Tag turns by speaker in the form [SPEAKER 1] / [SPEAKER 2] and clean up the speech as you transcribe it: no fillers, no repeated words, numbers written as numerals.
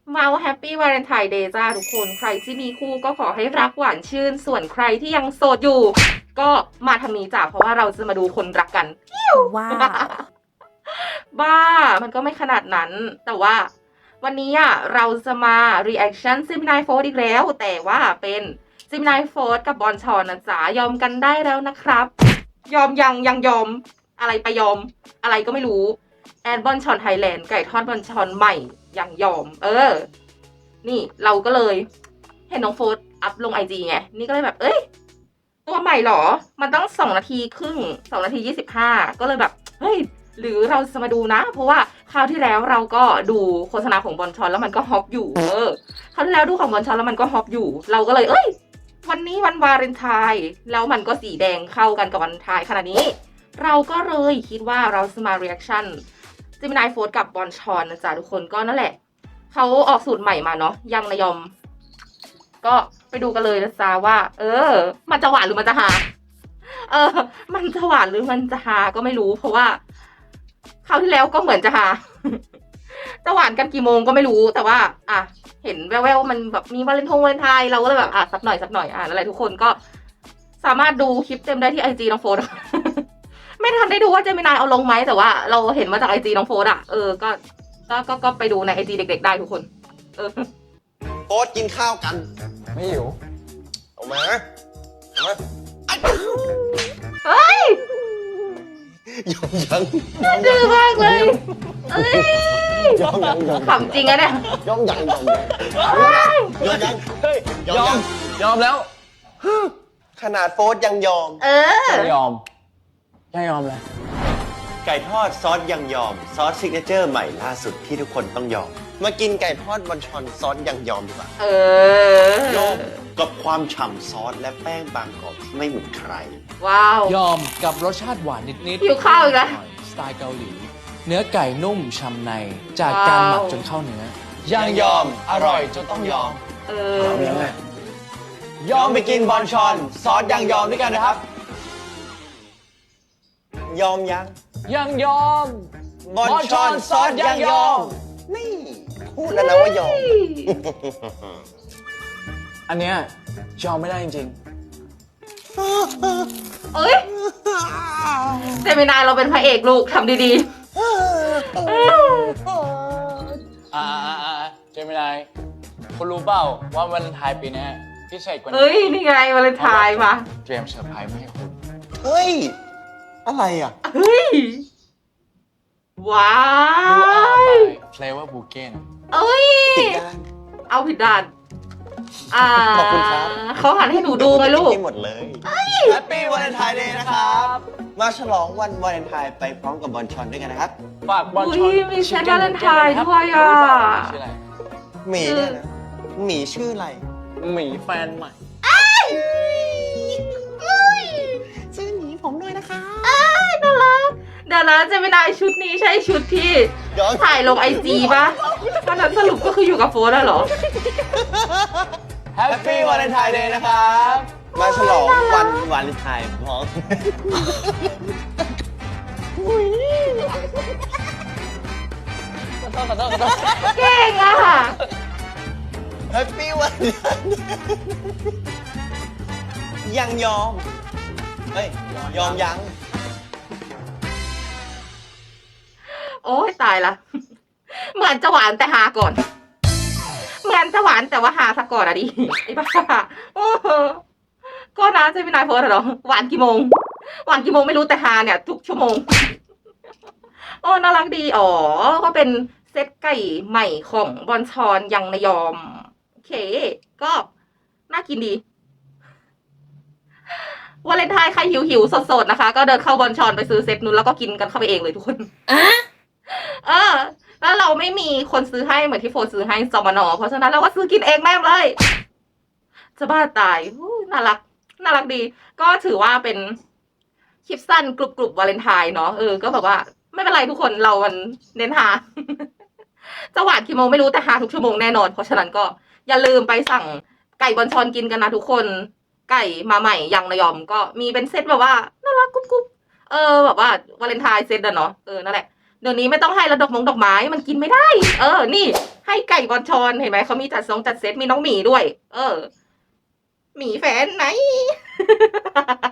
[SPEAKER 1] มาแฮปปี้วาเลนไทน์เดย์จ้าทุกคนใครที่มีคู่ก็ขอให้รักหวานชื่นส่วนใครที่ยังโสดอยู่ ก็มาทางนี้จ้าเพราะว่าเราจะมาดูคนรักกัน
[SPEAKER 2] ว้าว
[SPEAKER 1] บ้ามันก็ไม่ขนาดนั้น แต่ว่าวันนี้เราจะมา reaction Gemini Fourth อีกแล้ว แต่ว่าเป็น Gemini Fourth กับบอนชอนนะจ๊ะยอมกันได้แล้วนะครับ ยอมยังยอมอะไรไปยอมอะไรก็ไม่รู้แอนบอนชอนไทยแลนด์ไก่ทอดบอนชอนใหม่ยังยอมนี่เราก็เลยเห็นน้องโฟร์อัพลง IG ไงนี่ก็เลยแบบตัวใหม่หรอมันต้อง2 นาทีครึ่ง2 นาที 25ก็เลยแบบเฮ้ยหรือเราจะมาดูนะเพราะว่าคราวที่แล้วเราก็ดูโฆษณาของบอนชอนแล้วมันก็ฮอปอยู่คราวที่แล้วดูของบอนชอนแล้วมันก็ฮอปอยู่เราก็เลยวันนี้วันวาเลนไทน์แล้วมันก็สีแดงเข้ากันกับวันวาเลนไทน์ขนาดนี้เราก็เลยคิดว่าเราจะมา reaction Gemini Fourth กับบอนชอนนะจ๊ะทุกคนก็นั่นแหละเขาออกสูตรใหม่มาเนาะยังนายอมก็ไปดูกันเลยนะจ๊ะว่ามันจะหวานหรือมันจะฮามันจะหวานหรือมันจะฮาก็ไม่รู้เพราะว่าคราวที่แล้วก็เหมือนจะฮา จะหวานกันกี่โมงก็ไม่รู้แต่ว่าเห็นแววๆมันแบบมีวาเลนไทน์เราก็เลยแบบสักหน่อยแล้วอะไรทุกคนก็สามารถดูคลิปเต็มได้ที่ IG น้องโฟร์ ไม่ทันได้ดูว่าเจมินายเอาลงไหมแต่ว่าเราเห็นมาจาก IG น้องโฟร์ก็ไปดูใน IG เด็กๆได้ทุกคน
[SPEAKER 3] โฟร์กินข้าวกัน
[SPEAKER 2] ไม่หิว
[SPEAKER 3] ออกมา
[SPEAKER 1] เฮ้ย
[SPEAKER 3] ยัง
[SPEAKER 1] ดื้อมากเลย
[SPEAKER 3] ยัง
[SPEAKER 1] ขำจริงอะเนี่ย
[SPEAKER 3] ยัง
[SPEAKER 2] ยอมแล้ว
[SPEAKER 3] ขนาดโฟร์ยังยอม
[SPEAKER 2] ยอมเลย
[SPEAKER 3] ไก่ทอดซอสยังยอมซอสซิกเนเจอร์ใหม่ล่าสุดที่ทุกคนต้องยอมมากินไก่ทอดบอนชอนซอสยังยอมดีกว่ายอมกับความฉ่ำซอสและแป้งบางกรอบที่ไม่เหมือนใคร
[SPEAKER 1] ว้าวย
[SPEAKER 4] อมกับรสชาติหวานนิดๆ
[SPEAKER 1] หิวข้าวอีกแล้ว
[SPEAKER 4] สไตล์เกาหลี เนื้อไก่นุ่มฉ่ำในจากการหมักจนเข้าเนื้อ
[SPEAKER 2] ยังยอมอร่อยจนต้องยอม
[SPEAKER 3] ยอมไปกินบอนชอนซอสยังยอมด้วยกันนะครับยอม
[SPEAKER 4] ยังยอม
[SPEAKER 3] บอนชอนซอสยังยอมนี่พูดแล้วนะว่ายอม
[SPEAKER 4] อันเนี้ยยอมไม่ได้จริง
[SPEAKER 1] เจมินายเราเป็นพระเอกลูกทำดี
[SPEAKER 4] เจมินายคุณรู้เปล่าว่าวันไทายปีนี้พิเศษกว่านี้
[SPEAKER 1] นี่ไงวาเลนไทน์มา
[SPEAKER 4] เตรียมเซอร์ไพรส์มาให้คุณ
[SPEAKER 3] เฮ้ยอะไร
[SPEAKER 1] ว้า
[SPEAKER 4] ดู
[SPEAKER 1] ว
[SPEAKER 4] เฟลเวอร์บูเก้น
[SPEAKER 3] ผิดด้าน
[SPEAKER 1] เอาผิดด้าน
[SPEAKER 3] ขอบคุณครับ
[SPEAKER 1] เขาหันให้หนูดูไงลูก
[SPEAKER 3] หมดเลยแฮปปี้วาเลนไทน์เดย์นะครับมาฉลองวันวาเลนไทน์ไปพร้อมกับบอนชอนด้วยกันนะครับ
[SPEAKER 4] ฝากบอลชอน
[SPEAKER 1] มีเซตวาเลนไทน์ด้วย
[SPEAKER 4] ชื่ออะไร
[SPEAKER 3] หมีเนี่ยนะหมีชื่ออะไร
[SPEAKER 4] หมีแฟนใหม่
[SPEAKER 3] ชื่อหมีผมด้วยนะคะ
[SPEAKER 1] น่ารักเดี๋ยวนะเจมินายชุดนี้ใช่ชุดที่ถ่ายลง IG ป่ะวันนั้นสรุปก็คืออยู่กับโฟร์แล้วเหรอ
[SPEAKER 3] แฮปปี้วาเลนไทน์เดย์นะครับมาฉลองวันวาเลนไทน์พร้อม
[SPEAKER 4] ขอโทษ
[SPEAKER 1] เก่ง
[SPEAKER 3] แฮปปี้วาเลนไทน์ยังยอมยอมยัง
[SPEAKER 1] โอ้ยตายละเหมือนจะหวานแต่หาก่อนเหมือนจะหวานแต่ว่าหาซะก่อนดิไอ้บ้าก็นะเจมินายโพสเหรอหวานกี่โมงไม่รู้แต่หาเนี่ยทุกชั่วโมงน่ารักดีก็เป็นเซตไก่ใหม่ของบอนชอนยังนายอมโอเคก็น่ากินดีวาเลนไทน์ใครหิวสดๆนะคะก็เดินเข้าบอนชอนไปซื้อเซตนู้นแล้วก็กินกันเข้าไปเองเลยทุกคนแล้วเราไม่มีคนซื้อให้เหมือนที่โฟซื้อให้จมนเพราะฉะนั้นเราก็ซื้อกินเองแม่งเลยจะบ้าตายน่ารักดีก็ถือว่าเป็นคลิปสั้นกรุบวาเลนไทน์เนาะก็แบบว่าไม่เป็นไรทุกคนเรามันเน้นหา จะหวานกี่โมงไม่รู้แต่หาทุกชั่วโมงแน่นอนเพราะฉะนั้นก็อย่าลืมไปสั่งไก่บอนชอนกินกันนะทุกคนไก่มาใหม่ยังนายอมก็มีเป็นเซตแบบว่าน่ารักกุ๊บแบบว่าวาเลนไทน์เซตเนาะนั่นแหละเดี๋ยวนี้ไม่ต้องให้ระดอกดอกไม้มันกินไม่ได้ นี่ ให้ไก่บอลชอนเห็นไหมเขามีจัดเซตมีน้องหมีด้วย หมีแฟนไหน